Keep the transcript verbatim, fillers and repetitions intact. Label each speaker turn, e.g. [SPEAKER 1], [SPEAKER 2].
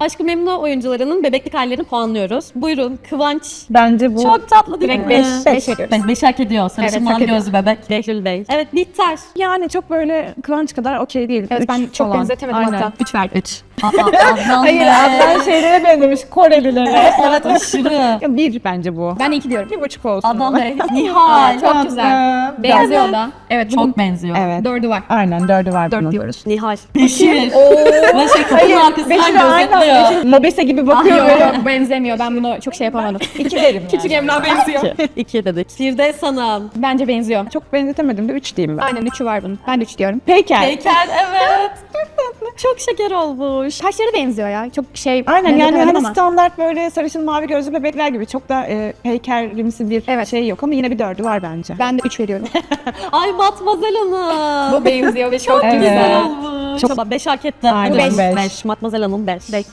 [SPEAKER 1] Aşk-ı Memnu oyuncularının bebeklik hallerini puanlıyoruz. Buyurun Kıvanç.
[SPEAKER 2] Bence bu
[SPEAKER 1] Çok tatlı değil
[SPEAKER 3] Direkt
[SPEAKER 1] mi?
[SPEAKER 3] beş, beş veriyoruz.
[SPEAKER 1] Beş, beş hak ediyor. Sarışın
[SPEAKER 3] Evet, hak
[SPEAKER 1] mavi
[SPEAKER 3] ediyor.
[SPEAKER 1] gözlü bebek. Behlül Bey. Evet Bihter.
[SPEAKER 2] yani çok böyle Kıvanç kadar okey değil.
[SPEAKER 3] Evet
[SPEAKER 2] Üç
[SPEAKER 3] ben çok
[SPEAKER 2] falan.
[SPEAKER 3] benzetemedim
[SPEAKER 2] Aynen.
[SPEAKER 3] hatta. üç verdim.
[SPEAKER 1] Üç. Aa, Adnan
[SPEAKER 2] Hayır
[SPEAKER 1] Bey.
[SPEAKER 2] Adnan şeylere benzemiş Korelilere.
[SPEAKER 1] Evet aşırı.
[SPEAKER 2] Ya bir bence bu.
[SPEAKER 3] Ben iki diyorum.
[SPEAKER 2] Bir buçuk olsun.
[SPEAKER 1] Adnan Bey. Nihal.
[SPEAKER 3] Çok güzel.
[SPEAKER 2] Adnan.
[SPEAKER 3] Benziyor da. Evet bugün
[SPEAKER 1] Çok benziyor.
[SPEAKER 2] Evet.
[SPEAKER 3] dördü var.
[SPEAKER 2] Aynen dördü var bunun.
[SPEAKER 3] Dört diyoruz.
[SPEAKER 1] Nihal. Beşir. Ve şey kapının
[SPEAKER 2] Beşir
[SPEAKER 1] arkasından
[SPEAKER 2] aynen.
[SPEAKER 1] gözetliyor.
[SPEAKER 2] Beşir Mobese gibi bakıyor.
[SPEAKER 3] Yok
[SPEAKER 2] böyle.
[SPEAKER 3] yok benzemiyor. Ben bunu çok şey yapamadım.
[SPEAKER 2] İki derim
[SPEAKER 3] Küçük
[SPEAKER 2] yani.
[SPEAKER 3] Emrah benziyor.
[SPEAKER 1] İki. İki dedik. Firdevs Hanım.
[SPEAKER 3] Bence benziyor.
[SPEAKER 2] Çok benzetemedim de üç diyeyim ben.
[SPEAKER 3] Aynen üçü var bunun. Ben de üç diyorum.
[SPEAKER 2] Peyker.
[SPEAKER 1] Heykel evet. Çok şeker olmuş.
[SPEAKER 3] Saçları benziyor ya. Çok şey.
[SPEAKER 2] Aynen yani
[SPEAKER 3] benzetemedim
[SPEAKER 2] hani
[SPEAKER 3] ama.
[SPEAKER 2] standart böyle sarışın mavi gözlü bebekler gibi çok da e, heykelimsi bir
[SPEAKER 3] Evet.
[SPEAKER 2] şey yok ama yine bir dördü var bence.
[SPEAKER 3] Ben de üç veriyorum.
[SPEAKER 1] Ay Matmazel Hanım.
[SPEAKER 3] Bu benziyor ve çok
[SPEAKER 2] Evet.
[SPEAKER 1] Güzel olmuş. Çok beş hak etti.
[SPEAKER 2] Aynen,
[SPEAKER 1] Beş.
[SPEAKER 2] beş.
[SPEAKER 1] Beş. Matmazel Hanım beş.
[SPEAKER 3] Beş.